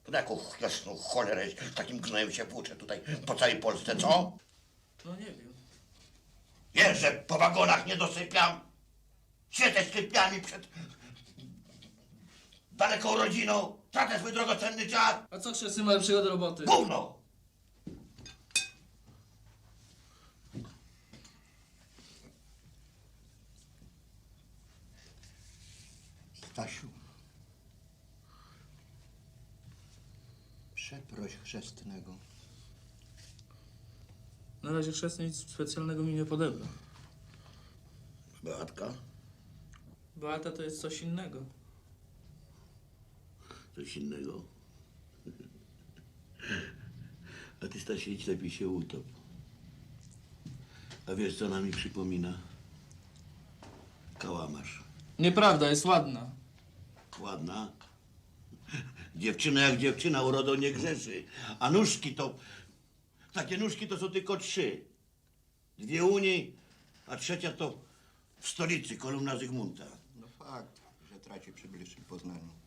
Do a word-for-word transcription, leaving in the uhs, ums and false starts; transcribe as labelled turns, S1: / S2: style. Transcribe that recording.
S1: Na jaką jasną cholerę z takim gnojem się włóczę tutaj po całej Polsce, co?
S2: No nie wiem.
S1: Jeżdżę po wagonach, nie dosypiam. Siedzę z typiami przed daleką rodziną. Tracę swój drogocenny czas.
S2: A co chrzestny ma lepszego do roboty?
S1: Gówno!
S3: Stasiu, przeproś chrzestnego.
S2: Na razie chrzestny nic specjalnego mi nie podebra.
S1: Beatka,
S2: Beata to jest coś innego.
S1: coś innego. A ty, Stasiu, idź lepiej się utop. A wiesz, co ona mi przypomina? Kałamarz.
S2: Nieprawda, jest ładna.
S1: Ładna. Dziewczyna jak dziewczyna, urodą nie grzeszy. A nóżki to... Takie nóżki to są tylko trzy. Dwie u niej, a trzecia to w stolicy, kolumna Zygmunta.
S3: No fakt, że traci przy bliższym poznaniu.